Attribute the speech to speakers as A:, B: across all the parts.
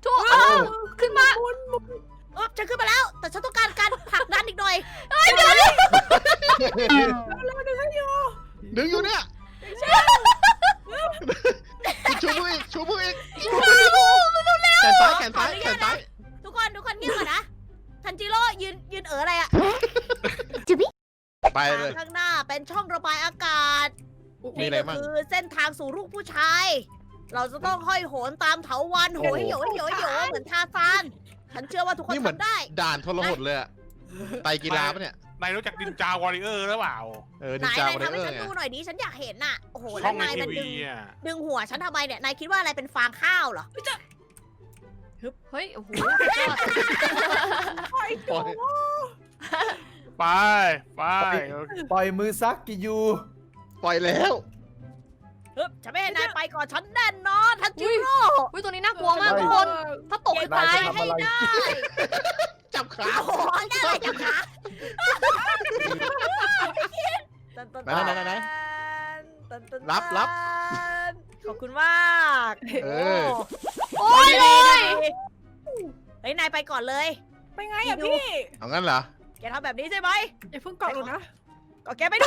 A: ถูกขึ้นมา
B: ฉันขึ้นมาแล้ว แต่ฉันต้องการการผลักดันอีกหน่อย
C: ดึงอยู่เนี่ยชูมืออีกชูมืออีกแขนซ้ายแขนซ้ายแขนซ้าย
B: ทุกคนเงียบก่อนนะทันจิโร่ยืนอะไรอะ
C: ไปเลย
B: ข้างหน้าเป็นช่องระบายอากาศ
C: มีอะไร
B: นี่ก็
C: มั่ง
B: คือเส้นทางสู่ลูกผู้ชาย เราจะต้องห้อยโหนตามเถาวัลย์โหยโหยโหยโหยเหมือนทาซานฉันเชื่อว่าทุกคน
C: นี่เหมือน
B: ทำได้
C: ด่านทรหดเลยอะไตรกีฬาปะเนี่ย
D: นายรู้จักดินจาวอริเออร์หรือเปล่า
C: ดิ
B: นาย
C: จา
B: นา
C: วย วอ
B: ทำ
C: เร
B: ให้
C: อ
B: ฉัน
C: ร์ไง
B: ดูหน่อยดิฉันอยากเห็นน่ะโอ้โห
D: ช่
B: แล้
D: อ
B: ว
D: งใน
B: นาย
D: ที
B: มัน
D: วี
B: ดึงหัวฉันทำไมเนี่ยนายคิดว่าอะไรเป็นฟางข้าวเหรอ
A: เฮ้ย โอ้โห
C: ปล่อย
D: ไป
E: ปล่อยมือซักกิยู
C: ปล่อยแล้ว
B: ฉันไม่ให้นายไปก่อนฉันแน่นอนทันจิโร่
A: อุ้ยตัวนี้น่ากลัวมากทุกคน ถ้าตกคือตาย
E: ทำอะไร
C: จับขา
B: โอ้โหได้เลยจับขา
C: ไหนรับ
B: ขอบคุณมาก
C: เออ
A: โอ้ยเลย
B: เฮ้ยนายไปก่อนเลย
F: ไปไงอ่ะพี่
C: เอางั้นเหรอ
B: แกทำแบบนี้ใช่ไหม
F: อย่าเพิ่งเกาะหนูนะ
B: ก็แกไปด้วย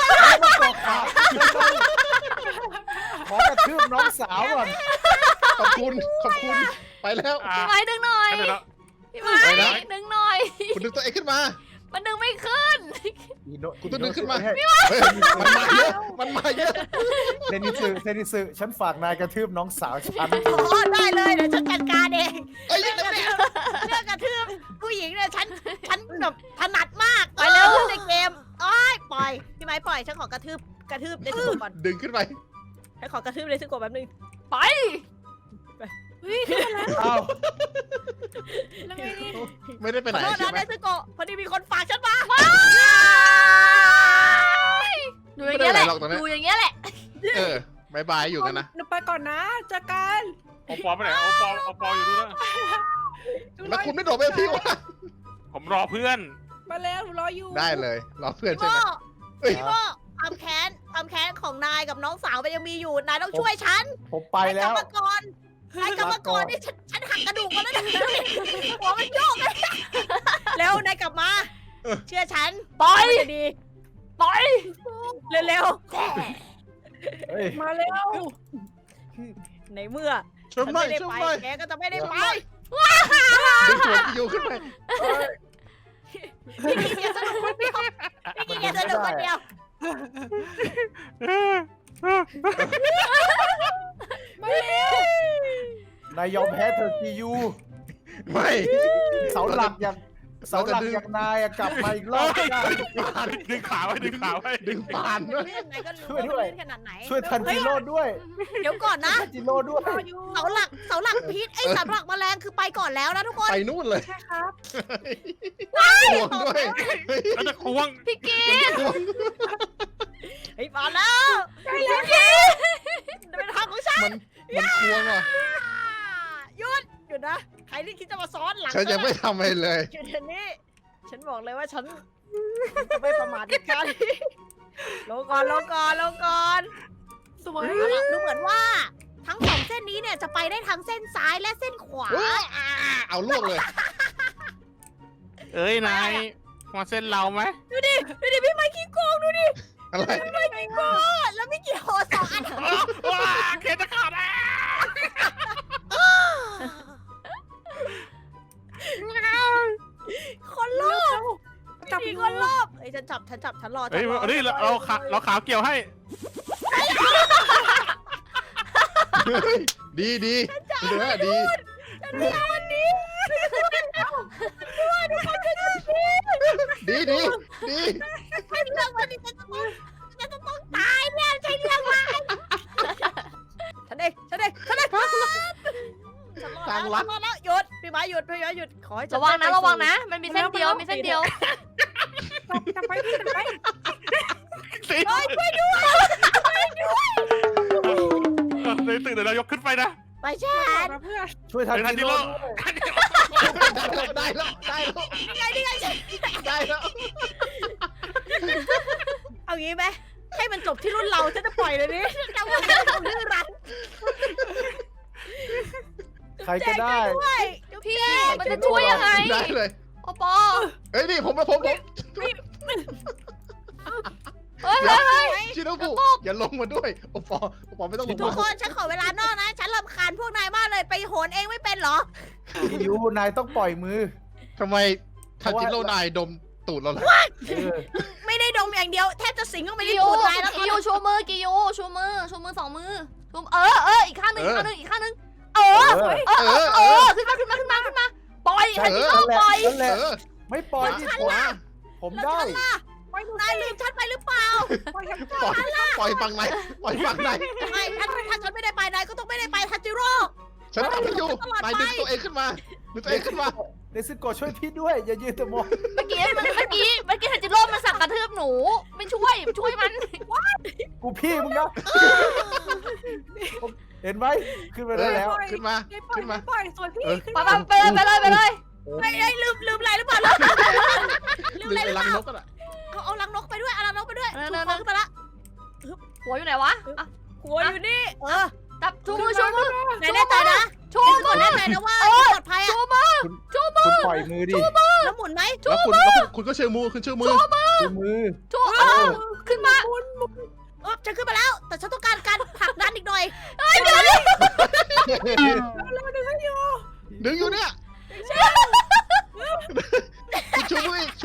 E: ขอกระทืบน้องสาวก่อน
C: ขอบคุณไปแล้ว
A: พี่ไม้ดึงหน่อย
D: ให้ไปแล้ว
A: พี่ไม้
C: ไปนะ
A: ดึงหน่อย
C: คุณดึงตัวเองขึ้นมา
A: มันดึงไม่ขึ้น
C: คุณต้องดึงขึ้นมา
E: เฮ้ย
C: เฮ้ยมันมาเยอะ
E: เซนิสึฉันฝากนายกระทืบน้องสาวฉัน
B: โอ้ได้เลยเดี๋ยวฉันจัดการเอง
C: เอ้ยยังไงเนี่ย
B: เรื่องกระทืบผู้หญิงเนี่ยฉันแบบถนัดมาก
A: ไปเร็ว
B: ในเกมอ้อยปล่อยพี่ไม้ปล่อยฉันขอกระทืบในสกุลก่อน
C: ดึงขึ้นไป
B: ฉันขอกระทืบในสกุลแป๊บนึง
A: ไป
F: เฮ้ยขึ้นมาแล้ว
E: อ้าว
F: แล้วไงนี่
C: ไม่ได้ไป
B: ข
C: ไหน
B: อโทษ
C: ใช่
B: นะ
C: ไหม
B: ในสกุลพอดีมีคนฝากฉันมา
A: อยู่อย่างเงี้ยแหละ อยู่อย่างเงี้ยแหละ
C: บายบายอยู่กันนะ
F: หนูไปก่อนนะเจอกัน
D: โอปอไปไหนโอปออยู่ด้วยนะ
C: แล้วคุณไม่โดดไปกับพี่วะ
D: ผมรอเพื่อน
F: มาแล้วหนูรออยู่
C: ได้เลยรอเพื่อน
B: พี่
C: ใช่
B: โม
C: ไหมเอ้ย
B: พี่โมความแค้นของนายกับน้องสาวมันยังมีอยู่นายต้องช่วยฉัน
E: ผมไปแล้ว
B: นายกรรมกรนี่ฉันหักกระดูกมาแล้วนะหัวมันโยกเลยเร็วนายกลับมา เชื่อฉัน
A: ปล่อย
B: มันจะดี
A: ปล่อย
B: เร็ว
E: เฮ้ย
F: มาแล้ว
B: ๆในเมื่อ
C: ช่วย
B: ฉัน
C: ไม่
B: ไม่ได้
C: ช่วย
B: ไป
C: ไม่
B: แกก็จะไม่ได้ไป
C: ดึงหัวอยู่ขึ้นไป
B: พี่กินอย่าสนุกคนเดียวพี่กินอย่าสนุกคนเดียว
F: มาแล้ว
E: นายยอมแพ้เธอะกิยู
C: ไม่
E: เสาหลักอย่างนายอะกลับมาอีกรอบไม่ได้
D: ดึงขาไว้
C: ดึงปานด้วย
B: เรื่องไหนก็รู้ว่ามันลื่นขนาดไหน
E: ช่วยทันจิโร่ด้วย
B: เดี๋ยวก่อนนะ
E: ทันจิโร่ด้วย
F: รออยู่
B: เสาหลักพีทไอ้เสาหลักแมลงคือไปก่อนแล้วนะทุกคน
C: ไปนู่นเลย
F: ใช่ครับ
C: ห่วงด้วย
D: แล้วจะควง
A: พี่กี
C: ห่วง
B: เฮ้ยมาแล้วพี่กินเป็นทางของฉัน
C: มันควงอ่ะ
B: หยุดนะใครที่คิดจะมาซ้อนหลัง
C: ฉันยังไม่ทำอะไรเลย
B: หยุดเดี๋ยวนี้ฉันบอกเลยว่าฉันจะไม่ประมาทเด็ดขาดลงก่อน
F: สวย
B: เอาล่ะดูเหมือนว่าทั้งสองเส้นนี้เนี่ยจะไปได้ทั้งเส้นซ้ายและเส้นขวา
C: เอาลวกเลย
D: เอ้ยนายมาเส้นเราไหม
B: ดูดิพี่ไมค์ขี้โกงดูดิ
C: อะไร
B: พี่ไมค์ขี้โกงแล้วไม่กี่โหสองอัน
D: ว้าเคนจะขาดแล้ว
B: คนโลภ
F: จับ
B: มี
F: มื
B: ค
F: อน
B: โลภเอ้ยฉันจับฉันรอ
D: เฮ้ยนี่เราขาวเกี่ยวให้
C: ดีเนื้อดี ดี
B: ใช่เรื่องมันนี่ฉันจะต้องตายเนี่ยใช่เรื่องมันฉันเองฉันรอดแล้วหยุดพี่ไม้หยุดขอให้ฉัน
A: ระวังนะ มันมีเส้นเดียว
F: จับไปพี่จับไป
D: สิ
B: เฮ้ยช่วยด้วย
D: เลยตื่นเดี๋ยวเรายกขึ้นไปนะ
B: ไปฉั
F: ขอน มาเพื่อน
E: ช่วยทัน
D: เดี๋ยวทัน
E: จิ
D: ที
E: โร่
D: โร่
E: ด้วย
C: ได้แล้ว
B: นี่ไง
C: ได้แล้ว
B: เอางี้ไหมให้มันจบที่รุ่นเราฉันจะปล่อยเลยนี่จะว่าให้เราดื้อรั้น
E: ใครก็ได้
B: ด้วย
A: พี่มันจะช่วยยังไง
C: ได้เลย
A: โอปอ
C: เฮ้ยนี่ผม
A: เฮ้ย
C: ชิโนบุอย่าลงมาด้วยโอปอไม่ต้องลง
B: ทุก
C: มา
B: คนฉันขอเวลานอกนะ ฉันรำคาญพวกนายมากเลยไปโหนเองไม่เป็นเหรอ
E: ยูนายต้องปล่อยมือ
C: ทำไมทันจิโร่นายดมตูดเราล่ะ
E: เออ
B: ไม่ได้ดมอย่างเดียวแทบจะสิงเข้าไปใน
A: กิโย
B: ตูดนายแล้ว
A: กิโยชูมือกิโยชูมือ2 มือชูอีกข้างหนึ่งอีกข้างหนึ่งขึ้นมาปล่อยทันจิโร่ปล่อย
E: นั่นแหละ
C: เออ
E: ไม่ปล่อยที่ผม
B: แล้ว
E: ได้
B: ฉันล่ะนายลืมฉันไปหรือเปล่า
C: ปล่อยฝั่งไหนปล่อยฝั่งไหน
B: ไม่ถ้าฉันไม่ได้ไปนายก็ต้องไม่ได้ไปทันจิโร่
C: ฉันทำให้อยู่นายดึงตัวเองขึ้นมาดึงตัวเองขึ้นมา
E: เนซึโกะช่วยพี่ด้วย อย่ายืนแต่มอง
A: เมื่อกี้ทันจิโร่มันสั่งกระทืบหนูไม่ช่วยมัน
E: กูพี่มึงนะเห็นไหมขึ้นไปได้แล้ว
C: ขึ้นมา
F: ปล่อยสวยพี่ขึ้น
A: ไปเลย
B: ไม่ลืมอะไรหรือเปล่าลืม
C: ดึง
B: อะไรห
C: ไป
B: รือเป
C: รัง
B: ล่าน
C: กกันอ่ะ
B: เอาลังนกไปด้วยเอาลังนกไปด้วยชูคอขึ้นมาละ
A: หัวอยู่ไหนวะ
B: หัวอยู่นี่
A: จับชูมือ
B: ไหนแน่ใจนะ
A: ชู
B: ก่อนแน่ใจนะว่าปลอดภัย
A: ชู
B: อ่ะ
A: มือ
E: คุณปล่อยมือดิ
B: แล้วหมุนไหม
C: แล้วคุณก็เชื่อมือคุณเชื่อมือ
E: ชูมือ
A: ชูขึ้นมา
B: ฉันขึ้นมาแล้ว แต่ฉันต้องการการผลักดันอีกหน่อย
C: ดึงอยู่เนี่ยคุณชูมืออีก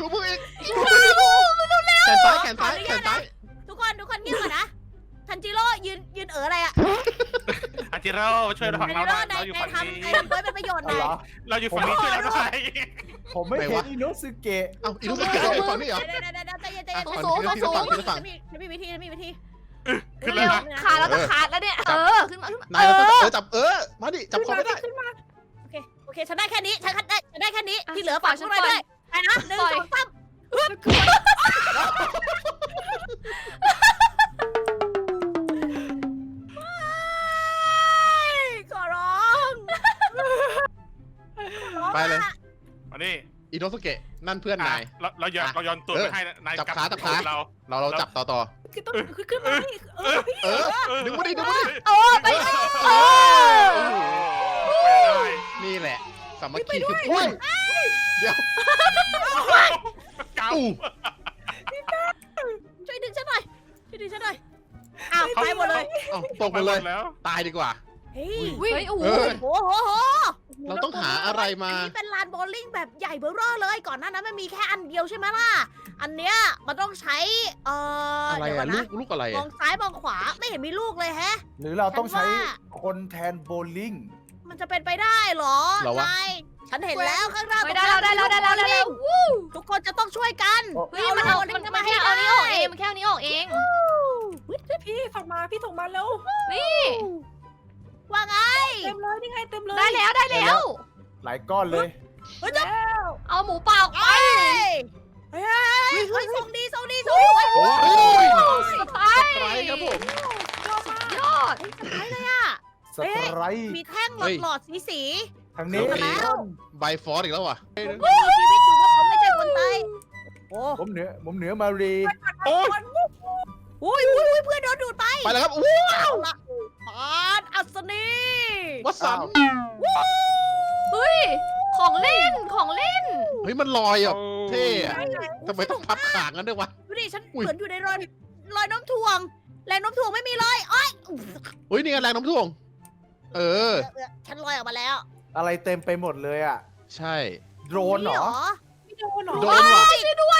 C: แขนซ้าย
B: ทุกคนเงียบก่อนนะทันจิโร่ยืนอะไรอ่ะ
D: อาจิโร่ช่วยเราฝั่งเราหน่อยเราอยู่ฝั่งนี้
B: ทำไว้เป็นประโยชน์ห
E: เอา
B: น่อย
E: เหรอ
D: เราอยู่ฝั่งนี้ช่วยเราหน่อย
E: ผมไม่เห็นอิโนสึเกะ
C: เอ้าอีลูกเกดฝั่งนี้เหรอ
B: ใจเย็น
A: สูง
B: ฉันมีวิธี
D: ขึ้นแล้วนะ
A: ขาแล้วจะขาดแล้วเนี่ยขึ้นมาน
C: ายเราต้องจับมาดิจับคอไม่ได้
B: โอเคฉันได้แค่นี้ฉันได้แค่นี้ที่เหลือฝากฉันไว้ด้วยไปนะ1 2 3ขอร้อง
C: ไปเลย
D: มาดิ
C: อิโนสเกะนั่นเพื่อนนาย
D: เราย้อนตัวไปให้นาย
C: จับขาเรา เราจับต่อ
F: คือต้องคือขึ้นมา
C: ดึงมาดิ
A: ไป
C: นี่แหละสามัคคีคืออุ้ยเดี๋ยว
D: เก่า
B: ช่วยดึงฉันหน่อยอ้าวไปหมดเลย
C: ตกไปเลย
D: แล้ว
C: ตายดีกว่า
B: เฮ้ย
A: เฮ้ยโอ้โห
B: โอ้โห
C: เราต้องหาอะไรมา
B: อันนี้เป็นลานโบว์ลิ่งแบบใหญ่เบ้อเร่อเลย ก่อนหน้านั้นมันมีแค่อันเดียวใช่ไหมล่ะ อันเนี้ยมันต้องใช้
C: อะไร
B: เดี๋ยวก่
C: อะ
B: อนนะ
C: ลูกอะไร
B: มองซ้ายมองขวาไม่เห็นมีลูกเลยแฮะ
E: หรือเราต้องใช้
B: ฉันว่า
E: คนแทนโบลิ่ง
B: มันจะเป็นไปได้เหรอ
C: เหรอวะ
B: นายฉันเห็นแล้วข้างหน้า
A: ได้แล้ว
B: ทุกคนจะต้องช่วยกัน
A: เฮ้ยมันเอาแค่เอานี้ออกเองมันแค่เอานี้ออกเอง
F: พี่ส่งมาพี่ส่งมาแล้ว
A: นี่
B: ว่าไง
F: เต็มเลยนี่ไงเต็มเลย
A: ได้แล้ว
E: หลายก้อนเลย
F: แล้ว
A: เอาหมูป่าออกไป
B: เฮ้ยส่งดี
C: โอ้ย
A: สไพร
C: ไรครับผม
A: ยอด
E: สไตร์
B: มีแท่งหลอดสี
E: ทางนี้
C: ใบฟอสอีกแล้วว่ะ
B: มีชีวิตอยู่เพราะเขาไม่ใช่คนไทยโอ้
E: ผมเหนือมารี
D: โอ้ย
B: อุ้ยเพื่อนโดนดูดไป
C: ไปแล้วครับ
B: เอาละปานอัศนี
C: วัดสัน
A: เฮ้ยของเล่น
C: เฮ้ยมันลอยอ่ะเท่อะทำไมต้องพับขางกันด้วยวะ
B: ดูดิฉัน
C: อุ๊ย
B: เหมือนอยู่ในรอยน้ำถ่วงแรงน้ำถ่วงไม่มีเลยอ้อย
C: เฮ้ยนี่ไงแรงน้ำท่วง
B: ฉันลอยออกมาแล้ว
E: อะไรเต็มไปหมดเลยอ่ะ
C: ใช่
E: โดรนเหรอ
F: ไม่โดนหรอ
C: โดนว่ะ
A: ช่วยด้วย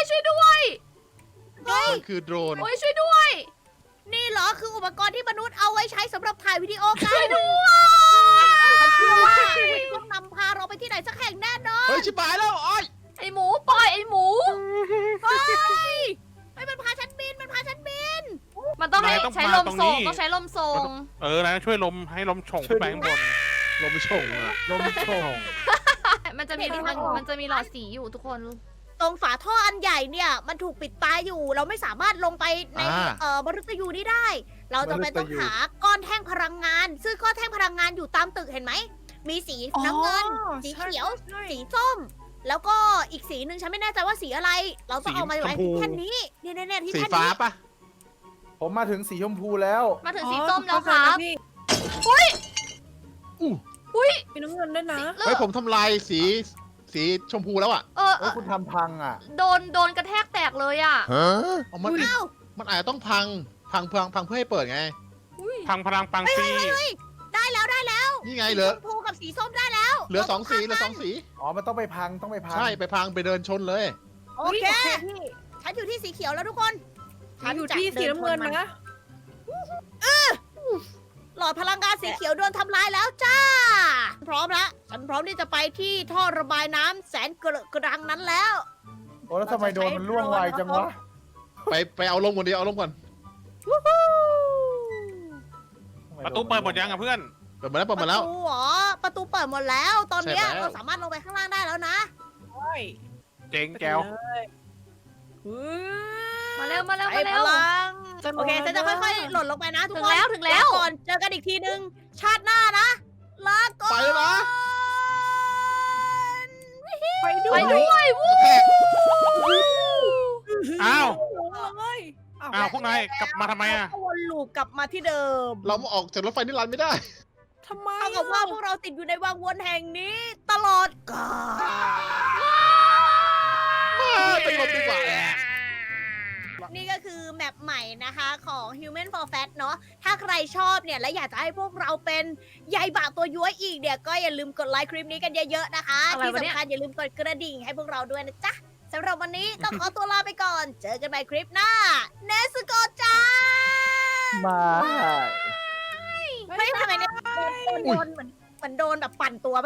C: มันคือโดรน
A: โอ้ยช่วยด้วย
B: นี่เหรอคืออุปกรณ์ที่มนุษย์เอาไว้ใช้สำหรับถ่ายวิดีโอกัน
A: ช่วยด้วย
B: ฉันเชื่อว่าต้องนำพาเราไปที่ไหนสักแห่งแน่นอน
C: เฮ้ยชิบหายแล้วอ้อย
A: ไอหมูปล่อยไอหมู
B: เฮ้ยมันพาฉันบิน
A: มันต้องให้ใช้ลมส่งต้องใช้ลมส่ง
D: นายช่วยลมให้ลมฉ่งขึ้นไปข้างบน
C: ลมชงอ่ะ
E: ลมโชง
A: มันจะมีหลอดสีอยู่ทุกคน
B: ตรงฝาท่ออันใหญ่เนี่ยมันถูกปิดตายอยู่ เราไม่สามารถลงไปในมฤตยูนี้ได้ เราจะเป็นต้องหาก้อนแท่งพลังงาน ซึ่งก้อนแท่งพลังงานอยู่ตามตึกเห็นไหมมีสีน้ำเงิน สีเขียว สีส้ม แล้วก็อีกสีหนึ่งฉันไม่แน่ใจว่าสีอะไร เราต้องเอามาไว้ที่แท่นนี้เนี่ยที่
C: สี
B: แท่น
C: ฟ้า
B: นี้
C: ปะ
E: ผมมาถึงสีชมพูแล้ว
A: มาถึงสีส้มแล้วครับ
C: อู้
F: มีน้ำเงินด้วยนะ
C: เฮ้ยผมทำลายสีชมพูแล้วอ่ะ
E: เฮ้ยคุณทำพังอ่ะ
A: โดนกระแทกแตกเลยอ่ะ
C: เอามัน
B: อ้าว
C: มันอาจจะต้องพังเพื่อให้เปิดไง
A: อุ้ย
D: พังพลังปังปี
B: ได้แล้วได้แล้ว
C: นี่ไงเหลือ
B: ชมพูกับสีส้มได้แล้ว
C: เหลือสองสีเหลือสองสี
E: อ๋อมันต้องไปพังต้องไปพัง
C: ใช่ไปพังไปเดินชนเลย
B: โอเค
F: พี่
B: ฉันอยู่ที่สีเขียวแล้วทุกคน
F: ฉันอยู่ที่สีน้ำเงินนะ
B: หลอดพลังงานสีเขียวโดนทำลายแล้วจ้า พร้อมละฉันพร้อมที่จะไปที่ท่อระบายน้ำแสนกระดังนั้นแล้ว
E: โอ้แล้วทำไมโดนมันล่วงไวจังวะ
C: ไปเอาลมก่อนดีเอาลมก่อน
D: ประตูเปิดหมดยังอ่ะเพื่อน
C: เปิดมาแล้วเปิดมาแล้ว
B: ประตูเหรอประตูเปิดหมดแล้ว ตอนเนี้ย
C: ใช่แล้ว
B: เราสามารถลงไปข้างล่างได้แล้วนะ
F: โอ้ย
D: เจ๋งแก้ว
A: มาเร็วมาเร็ว
B: ใช้
A: มาเร็
B: พ
A: ว
B: ลัง
F: จะ
B: โอเคฉันจะค่อยๆหล่นลงไปนะทุกคน
A: ถึงแล้ว
B: ก่อนเจอกันอีกทีนึง ชาติหน้านะลาก่อน
C: ไปแล้วนะ
F: ไปด้
A: ไป
F: วย
A: ด้วยวู้
C: แทก
D: อ้าว
F: เลย
D: อ้าวพวกนายกลับมาทำไมอ่ะ
B: วนลูปกลับมาที่เดิม
C: เรามาออกจากรถไฟนิรันดร์ไม่ได้
F: ทำไม
B: เท่ากับว่าพวกเราติดอยู่ในวังวนแห่งนี้ตลอดกาล
C: ไปหลบดีกว่า
B: นี่ก็คือแมปใหม่นะคะของ Human for Fat เนาะ ถ้าใครชอบเนี่ย และอยากจะให้พวกเราเป็นใยบะตัวย้วยอีกเนี่ย ก็อย่าลืมกดไลค์คลิปนี้กันเยอะๆนะคะ ที่สำคัญอย่าลืมกดกระดิ่งให้พวกเราด้วยนะจ๊ะสำหรับวันนี้ต้องขอตัวลาไปก่อน เจอกันใหม่คลิปหน้า เนสโกจ้า
E: มา
B: เฮ้ยทำไมเนี่ยโดนเหมือนโดนแบบปั่นตัวไป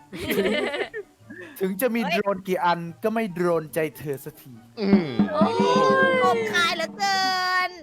E: ถึงจะมีโดรนกี่อันก็ไม่โดรนใจเธอสักที
C: อืม
B: คมคายเหลือเกิน